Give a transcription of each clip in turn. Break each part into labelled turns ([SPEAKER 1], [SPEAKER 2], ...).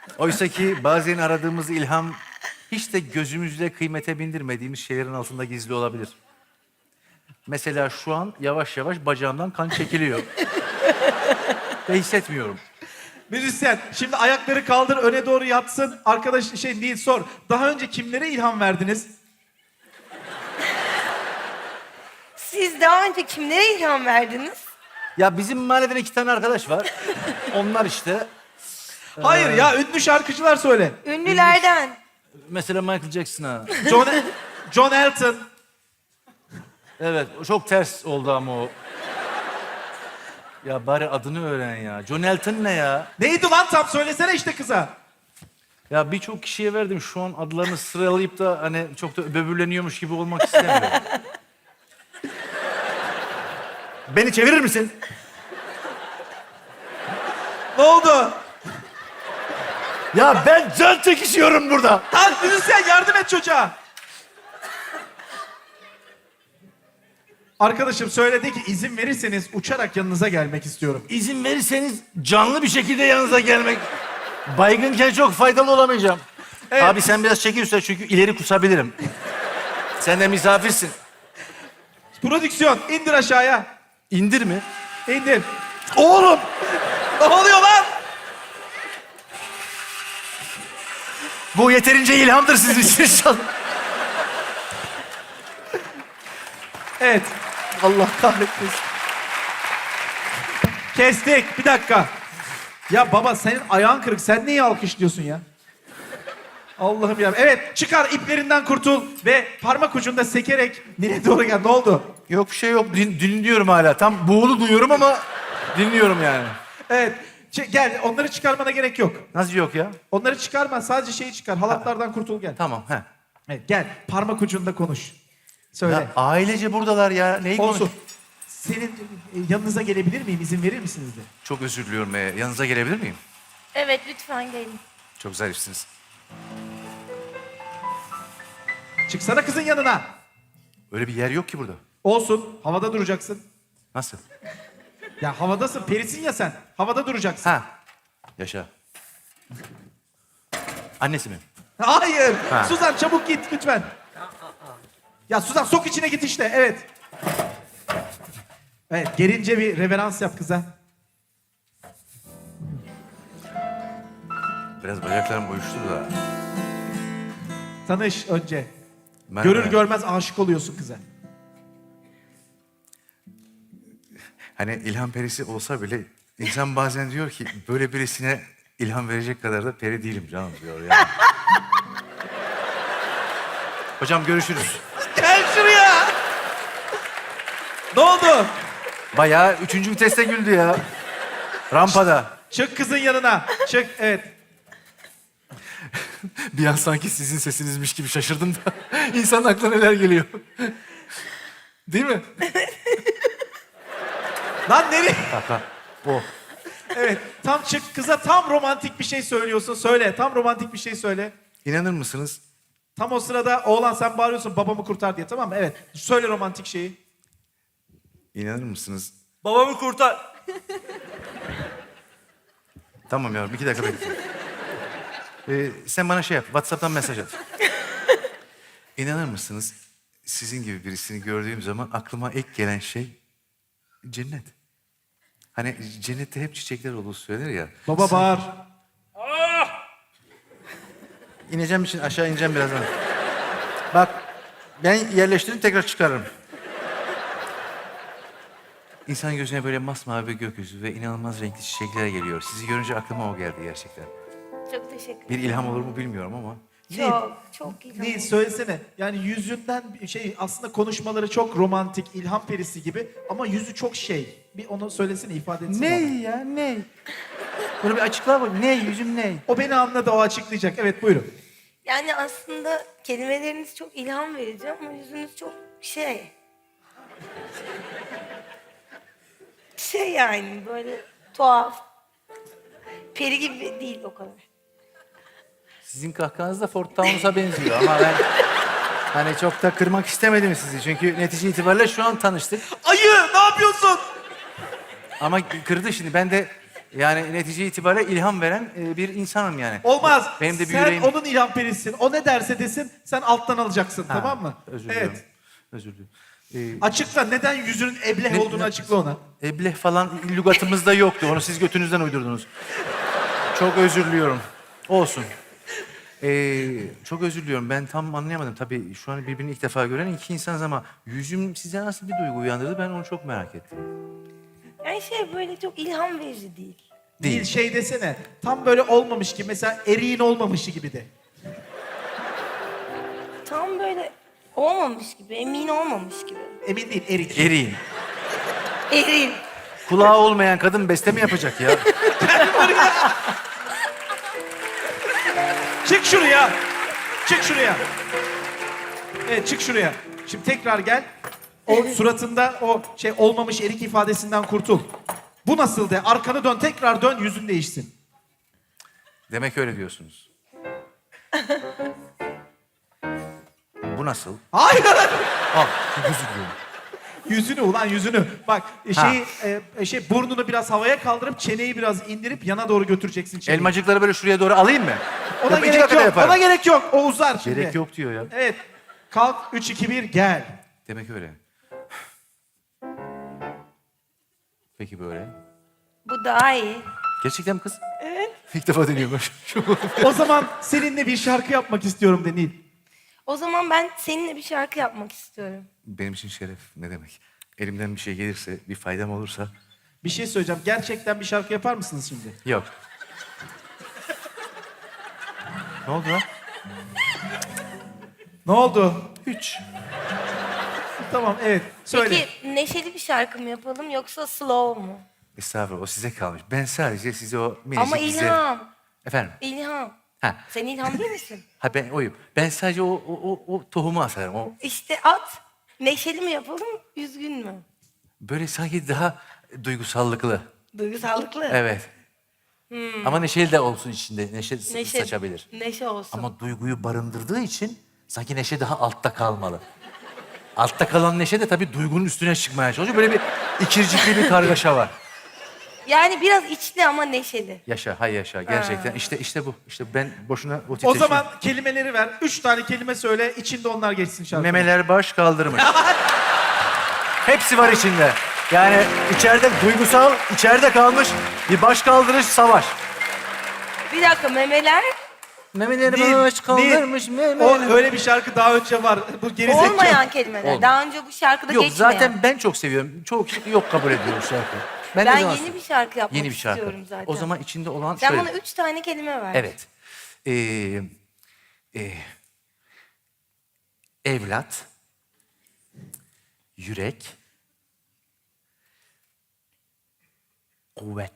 [SPEAKER 1] Oysa ki bazen aradığımız ilham hiç de gözümüzle kıymete bindirmediğimiz şeylerin altında gizli olabilir. Mesela şu an yavaş yavaş bacağımdan kan çekiliyor. Ve hissetmiyorum.
[SPEAKER 2] Müzisyen, şimdi ayakları kaldır, öne doğru yatsın. Arkadaş değil, sor. Daha önce kimlere ilham verdiniz?
[SPEAKER 3] Siz daha önce kimlere ilham verdiniz?
[SPEAKER 1] Ya bizim mahalleden 2 tane arkadaş var. Onlar işte.
[SPEAKER 2] Hayır ya, ünlü şarkıcılar söyle.
[SPEAKER 3] Ünlülerden.
[SPEAKER 1] Mesela Michael Jackson'a.
[SPEAKER 2] John Elton.
[SPEAKER 1] Evet, o çok ters oldu ama o. Ya bari adını öğren ya. John Elton ne ya?
[SPEAKER 2] Neydi lan tam, söylesene işte kıza.
[SPEAKER 1] Ya birçok kişiye verdim. Şu an adlarını sıralayıp da hani çok da böbürleniyormuş gibi olmak istemiyorum. Beni çevirir misin?
[SPEAKER 2] Ne oldu?
[SPEAKER 1] Ya ben can çekişiyorum burada.
[SPEAKER 2] Lan müzisyen, yardım et çocuğa. Arkadaşım söyledi ki izin verirseniz uçarak yanınıza gelmek istiyorum.
[SPEAKER 1] İzin verirseniz canlı bir şekilde yanınıza gelmek. Baygınken çok faydalı olamayacağım.
[SPEAKER 2] Evet.
[SPEAKER 1] Abi sen biraz çekil üstüne çünkü ileri kusabilirim. Sen de misafirsin.
[SPEAKER 2] Prodüksiyon, indir aşağıya.
[SPEAKER 1] İndir mi?
[SPEAKER 2] İndir.
[SPEAKER 1] Oğlum!
[SPEAKER 2] Ne oluyor lan?
[SPEAKER 1] Bu yeterince ilhamdır sizin için inşallah.
[SPEAKER 2] Evet. Allah kahretmesin. Kestik. Bir dakika. Ya baba, senin ayağın kırık. Sen niye alkışlıyorsun ya? Allah'ım ya. Evet, çıkar, iplerinden kurtul ve parmak ucunda sekerek nereye doğru gel? Ne oldu?
[SPEAKER 1] Yok bir şey yok. Dinliyorum hala. Tam buğulu duyuyorum ama dinliyorum yani.
[SPEAKER 2] Evet. Gel, onları çıkarmana gerek yok.
[SPEAKER 1] Nasıl yok ya?
[SPEAKER 2] Onları çıkarma, sadece şeyi çıkar. Halatlardan kurtul, gel.
[SPEAKER 1] Tamam. He.
[SPEAKER 2] Evet, gel. Parmak ucunda konuş. Söyle.
[SPEAKER 1] Ya ailece buradalar ya. Neyi
[SPEAKER 2] Olsun.
[SPEAKER 1] konuş?
[SPEAKER 2] Senin yanınıza gelebilir miyim? İzin verir misiniz de?
[SPEAKER 1] Çok özür diliyorum. Yanınıza gelebilir miyim?
[SPEAKER 3] Evet, lütfen gelin.
[SPEAKER 1] Çok zarifsiniz.
[SPEAKER 2] Çıksana kızın yanına.
[SPEAKER 1] Öyle bir yer yok ki burada.
[SPEAKER 2] Olsun. Havada duracaksın.
[SPEAKER 1] Nasıl?
[SPEAKER 2] Ya havadasın. Perisin ya sen. Havada duracaksın.
[SPEAKER 1] Ha. Yaşa. Annesi mi?
[SPEAKER 2] Hayır.
[SPEAKER 1] Ha.
[SPEAKER 2] Suzan, çabuk git lütfen. Ya Suzan, sok içine git işte. Evet. Evet. Gerince bir reverans yap kıza.
[SPEAKER 1] Biraz bacaklarım uyuştu da.
[SPEAKER 2] Tanış önce.
[SPEAKER 1] Merhaba.
[SPEAKER 2] Görür görmez aşık oluyorsun kıza.
[SPEAKER 1] Hani ilham perisi olsa bile insan bazen diyor ki böyle birisine ilham verecek kadar da peri değilim canım diyor yani. Hocam görüşürüz.
[SPEAKER 2] Gel şuraya. Ne oldu?
[SPEAKER 1] Bayağı 3. viteste güldü ya. Rampada.
[SPEAKER 2] Çık kızın yanına. Çık. Evet.
[SPEAKER 1] Bir an sanki sizin sesinizmiş gibi şaşırdım da insanın aklına neler geliyor. Değil mi?
[SPEAKER 2] Lan nereye?
[SPEAKER 1] Kaka. O.
[SPEAKER 2] Evet. Tam çık kıza, tam romantik bir şey söylüyorsun. Söyle. Tam romantik bir şey söyle.
[SPEAKER 1] İnanır mısınız?
[SPEAKER 2] Tam o sırada oğlan sen bağırıyorsun babamı kurtar diye, tamam mı? Evet. Söyle romantik şeyi.
[SPEAKER 1] İnanır mısınız?
[SPEAKER 2] Babamı kurtar.
[SPEAKER 1] Tamam yavrum 2 dakika bekle. Sen bana şey yap, WhatsApp'tan mesaj at. İnanır mısınız? Sizin gibi birisini gördüğüm zaman aklıma ilk gelen şey cennet. Hani cennette hep çiçekler olur söylenir ya.
[SPEAKER 2] Baba bağır.
[SPEAKER 1] İneceğim için aşağı ineceğim birazdan. Bak ben yerleştirip tekrar çıkarırım. İnsan gözüne böyle masmavi bir gökyüzü ve inanılmaz renkli çiçekler geliyor. Sizi görünce aklıma o geldi gerçekten.
[SPEAKER 3] Çok teşekkür ederim.
[SPEAKER 1] Bir ilham olur mu bilmiyorum ama.
[SPEAKER 3] Çok ilham.
[SPEAKER 2] Ne söylesene. Yani yüzünden aslında konuşmaları çok romantik, ilham perisi gibi ama yüzü çok şey. Bir onu söylesene, ifade etsin.
[SPEAKER 1] Ne
[SPEAKER 2] bana.
[SPEAKER 1] ya ne? Bunu bir açıkla bak. Ne yüzüm ne?
[SPEAKER 2] O beni anladı, o açıklayacak. Evet, buyurun.
[SPEAKER 3] Yani aslında kelimeleriniz çok ilham verici ama yüzünüz çok şey. Şey yani böyle tuhaf. Peri gibi değil o kadar.
[SPEAKER 1] Sizin kahkahanız da Fort Towns'a benziyor ama ben hani çok da kırmak istemedim sizi. Çünkü netice itibariyle şu an tanıştık.
[SPEAKER 2] Ayı, ne yapıyorsun?
[SPEAKER 1] Ama kırdı şimdi. Ben de Yani netice itibariyle ilham veren bir insanım yani.
[SPEAKER 2] Olmaz.
[SPEAKER 1] Benim de bir
[SPEAKER 2] sen
[SPEAKER 1] yüreğim...
[SPEAKER 2] onun ilham perisin. O ne derse desin sen alttan alacaksın,
[SPEAKER 1] Ha,
[SPEAKER 2] tamam mı?
[SPEAKER 1] Özür diliyorum.
[SPEAKER 2] Evet.
[SPEAKER 1] Özür diliyorum.
[SPEAKER 2] Açıkla, neden yüzünün ebleh olduğunu açıkla ona.
[SPEAKER 1] Ebleh falan lügatımızda yoktu. Onu siz götünüzden uydurdunuz. Çok özür diliyorum. Olsun. Çok özür diliyorum. Ben tam anlayamadım. Tabii şu an birbirini ilk defa gören iki insanız ama yüzüm size nasıl bir duygu uyandırdı ben onu çok merak ettim.
[SPEAKER 3] Yani böyle çok ilham verici değil.
[SPEAKER 2] Değil şey desene. Tam böyle olmamış gibi. Mesela eriğin olmamışı gibi de.
[SPEAKER 3] Tam böyle olmamış gibi, emin olmamış gibi.
[SPEAKER 2] Emin değil, erik.
[SPEAKER 1] Eriğin.
[SPEAKER 3] Erin.
[SPEAKER 1] Kulağı olmayan kadın beste mi yapacak ya?
[SPEAKER 2] Çık şuraya. Çık şuraya. Evet, çık şuraya. Şimdi tekrar gel. O suratında o olmamış erik ifadesinden kurtul. Bu nasıl de? Arkanı dön, tekrar dön, yüzün değişsin.
[SPEAKER 1] Demek öyle diyorsunuz. Bu nasıl?
[SPEAKER 2] Hayır.
[SPEAKER 1] Çok özür diliyorum.
[SPEAKER 2] Yüzünü ulan yüzünü. Bak burnunu biraz havaya kaldırıp çeneyi biraz indirip yana doğru götüreceksin çeneyi.
[SPEAKER 1] Elmacıkları böyle şuraya doğru alayım mı?
[SPEAKER 2] Ona
[SPEAKER 1] Yap, iki
[SPEAKER 2] gerek
[SPEAKER 1] dakikada
[SPEAKER 2] yok.
[SPEAKER 1] yaparım.
[SPEAKER 2] Ona gerek yok. O uzar şimdi.
[SPEAKER 1] Gerek yok diyor ya.
[SPEAKER 2] Evet. Kalk 3 2 1 gel.
[SPEAKER 1] Demek öyle. Peki böyle.
[SPEAKER 3] Bu daha iyi.
[SPEAKER 1] Gerçekten mi kız? Evet. İlk defa deniyorum.
[SPEAKER 2] O zaman seninle bir şarkı yapmak istiyorum de Nil.
[SPEAKER 3] O zaman ben seninle bir şarkı yapmak istiyorum.
[SPEAKER 1] Benim için şeref ne demek? Elimden bir şey gelirse, bir faydam olursa...
[SPEAKER 2] Bir şey söyleyeceğim. Gerçekten bir şarkı yapar mısınız şimdi?
[SPEAKER 1] Yok. Ne oldu lan?
[SPEAKER 2] Ne oldu?
[SPEAKER 1] Hiç.
[SPEAKER 2] Tamam evet. Söyle.
[SPEAKER 3] Peki neşeli bir şarkı mı yapalım yoksa slow mu?
[SPEAKER 1] Estağfurullah o size kalmış. Ben sadece size o minicik
[SPEAKER 3] Ama
[SPEAKER 1] bize...
[SPEAKER 3] ilham.
[SPEAKER 1] Efendim?
[SPEAKER 3] İlham.
[SPEAKER 1] Ha.
[SPEAKER 3] Sen ilham değil misin?
[SPEAKER 1] Ha ben oyum. Ben sadece o tohumu asarım. O
[SPEAKER 3] İşte at. Neşeli mi yapalım, üzgün mü?
[SPEAKER 1] böyle sanki daha duygusallıklı.
[SPEAKER 3] Duygusallıklı.
[SPEAKER 1] Evet. Ama neşeli de olsun içinde. Neşe,
[SPEAKER 3] Neşe,
[SPEAKER 1] saçabilir.
[SPEAKER 3] Neşe olsun.
[SPEAKER 1] Ama duyguyu barındırdığı için sanki neşe daha altta kalmalı. Altta kalan neşe de tabii duygunun üstüne çıkmaya çalışıyor. Böyle bir ikircikli bir kargaşa var.
[SPEAKER 3] Yani biraz içli ama neşeli.
[SPEAKER 1] Yaşa, hay yaşa. Gerçekten işte bu. İşte ben boşuna o
[SPEAKER 2] O
[SPEAKER 1] titreşim...
[SPEAKER 2] zaman kelimeleri ver. 3 tane kelime söyle. İçinde onlar geçsin şarkı.
[SPEAKER 1] Memeler baş kaldırmış. Hepsi var içinde. Yani içeride duygusal, içeride kalmış bir baş kaldırış savaş.
[SPEAKER 3] Bir dakika, memeler
[SPEAKER 1] Memeleri
[SPEAKER 2] Nil,
[SPEAKER 1] baş kaldırmış.
[SPEAKER 2] Nil. O öyle bir şarkı daha önce var. Bu gerizekalı.
[SPEAKER 3] olmayan kelimeler.
[SPEAKER 1] Olmayan.
[SPEAKER 3] Daha önce bu şarkıda
[SPEAKER 1] Yok
[SPEAKER 3] geçmeyen.
[SPEAKER 1] zaten ben çok seviyorum. Çoğu kişi yok kabul ediyor şarkı.
[SPEAKER 3] Ben
[SPEAKER 1] de zaman-
[SPEAKER 3] yeni bir şarkı yapmak
[SPEAKER 1] Yeni bir şarkı.
[SPEAKER 3] istiyorum zaten.
[SPEAKER 1] O zaman içinde olan
[SPEAKER 3] Sen
[SPEAKER 1] şöyle.
[SPEAKER 3] bana 3 tane kelime ver.
[SPEAKER 1] Evet. Evlat, yürek, kuvvet.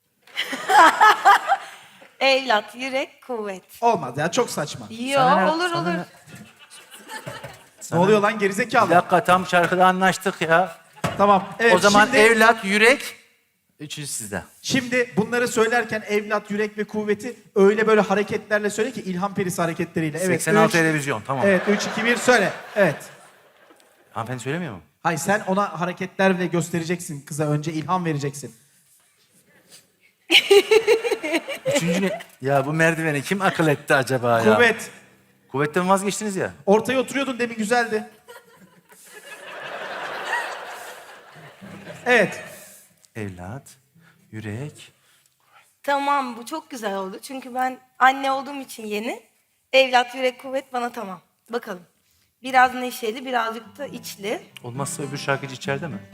[SPEAKER 3] Evlat, yürek, kuvvet.
[SPEAKER 2] Olmaz ya, çok saçma.
[SPEAKER 3] Yo,
[SPEAKER 1] Sana ne-
[SPEAKER 3] olur
[SPEAKER 1] sana
[SPEAKER 3] olur.
[SPEAKER 1] ne-
[SPEAKER 2] Ne oluyor lan
[SPEAKER 1] Bir
[SPEAKER 2] gerizekalı?
[SPEAKER 1] dakika tam şarkıda anlaştık ya.
[SPEAKER 2] Tamam. Evet,
[SPEAKER 1] O zaman
[SPEAKER 2] şimdi,
[SPEAKER 1] evlat, yürek, üçüncü sizde.
[SPEAKER 2] Şimdi bunları söylerken evlat, yürek ve kuvveti öyle böyle hareketlerle söyle ki ilham perisi hareketleriyle. Evet.
[SPEAKER 1] 86
[SPEAKER 2] üç-
[SPEAKER 1] televizyon tamam.
[SPEAKER 2] Evet 3 2 1 söyle. Evet.
[SPEAKER 1] Hanımefendi söylemiyor mu?
[SPEAKER 2] Hayır sen ona hareketlerle göstereceksin kıza, önce ilham vereceksin.
[SPEAKER 1] Üçüncü ne? Ya bu merdiveni kim akıl etti acaba ya?
[SPEAKER 2] Kuvvet.
[SPEAKER 1] Kuvvetten vazgeçtiniz ya.
[SPEAKER 2] Ortaya oturuyordun demin, güzeldi. Evet.
[SPEAKER 1] Evlat, yürek.
[SPEAKER 3] Tamam, bu çok güzel oldu. Çünkü ben anne olduğum için yeni. Evlat, yürek, kuvvet bana tamam. Bakalım. Biraz neşeli, birazcık da içli.
[SPEAKER 1] Olmazsa öbür şarkıcı içeride mi?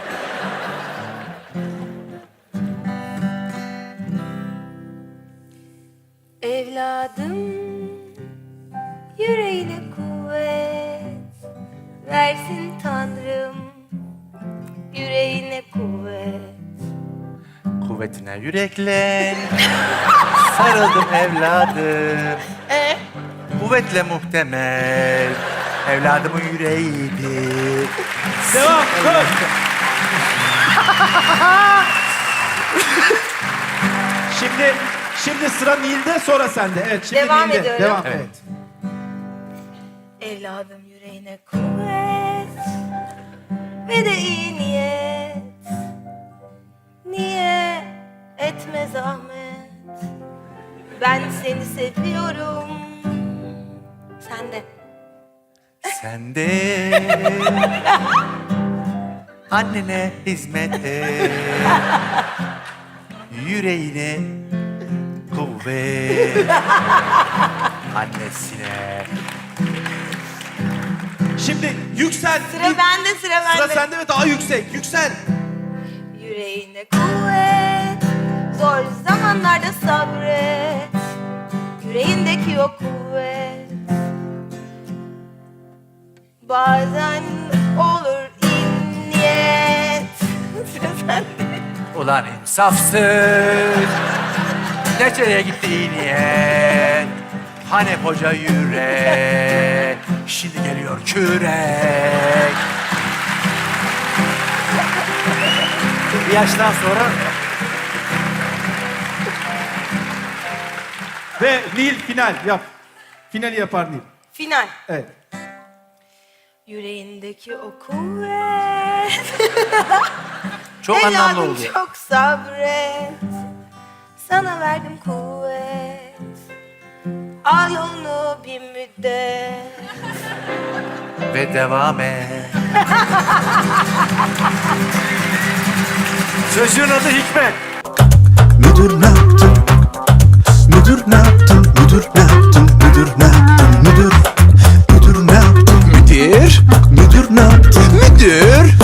[SPEAKER 3] Evladım, yüreğine kuvvet versin Tanrım. Yüreğine kuvvet.
[SPEAKER 1] Kuvvetine yüreklen. Sarıldım evladım. Kuvvetle muhtemel. Evladımın yüreğiydi.
[SPEAKER 2] Devam. Koş. Şimdi sıra Nil'de, sonra sende. Evet, şimdi
[SPEAKER 3] Devam
[SPEAKER 2] Nil'de.
[SPEAKER 3] ediyorum.
[SPEAKER 2] Devam.
[SPEAKER 1] Evet.
[SPEAKER 2] Evet.
[SPEAKER 3] Evladım, yüreğine kuvvet ve de iyi niyet. Niye et etme zahmet. Ben seni seviyorum. Sen de.
[SPEAKER 1] Sen de annene hizmet et. Yüreğine kuvvet. Annesine.
[SPEAKER 2] Şimdi yüksel.
[SPEAKER 3] Sıra bende, sıra bende.
[SPEAKER 2] Sıra sende ve daha yüksek. Yüksel.
[SPEAKER 3] Yüreğine kuvvet, zor zamanlarda sabret. Yüreğindeki o kuvvet bazen olur niyet. Sıra sende.
[SPEAKER 1] Ulan insafsız. Nereye gitti iyi niyet? Hani koca yürek, şimdi geliyor kürek. Bir yaştan sonra
[SPEAKER 2] Ve Nil final yap. Finali yapar Nil.
[SPEAKER 3] Final.
[SPEAKER 2] Evet.
[SPEAKER 3] Yüreğindeki o kuvvet.
[SPEAKER 1] çok anlamlı
[SPEAKER 3] Evladım
[SPEAKER 1] oldu.
[SPEAKER 3] çok sabret. Sana verdim kuvvet. Al yolunu bir müddet.
[SPEAKER 1] Ve devam et. Çocuğun adı Hikmet.
[SPEAKER 4] Müdür ne yaptın? Müdür ne yaptın? Müdür ne yaptın? Müdür ne yaptın? Müdür ne yaptın?
[SPEAKER 5] Müdür,
[SPEAKER 4] Müdür ne yaptın?
[SPEAKER 5] müdür,